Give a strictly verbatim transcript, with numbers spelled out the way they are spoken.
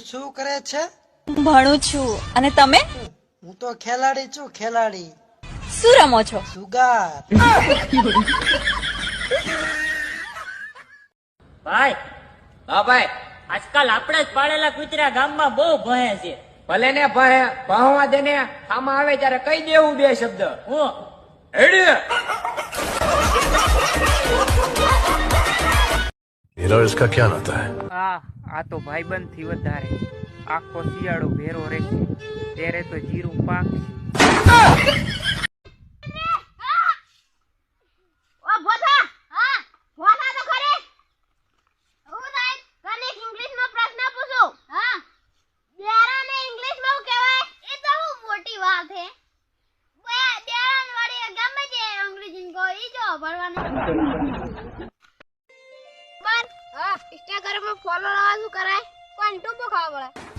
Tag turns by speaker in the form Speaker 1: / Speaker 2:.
Speaker 1: શું કરે છે?
Speaker 2: ભણું છું. અને તમે?
Speaker 1: હું તો ખેલાડી છું, ખેલાડી.
Speaker 2: શું રમો છો?
Speaker 1: સુગાર.
Speaker 3: ભાઈ હા ભાઈ, આજકાલ આપણે જ પાળેલા કૂતરા ગામમાં બહુ ભહે છે.
Speaker 4: ભલે ને ભહે, ભહવા દે ને. આમાં આવે ત્યારે કહી દેવું બે શબ્દ.
Speaker 3: હું
Speaker 4: હેડી
Speaker 5: मेरा इसका क्या नाता है?
Speaker 6: આ આ તો ભાઈબંધ થી વધારે આખો શિયાળો ભેરો રહેશે ત્યારે તો જીરું પાક
Speaker 7: ઓ બોથા હા બોથા તો ખરે હું સાહેબ તને ઇંગ્લિશમાં પ્રશ્ન પૂછું હા બેરાને ઇંગ્લિશમાં શું કહેવાય એ તો હું મોટી વાત છે બેરાન વાળી ગમે તે અંગ્રેજી કો ઈ જો ભણવાનું બસ હા ઇન્સ્ટાગ્રામ માં ફોલો લાવવા શું કરાય કોણ ટુબો ખાવા પડે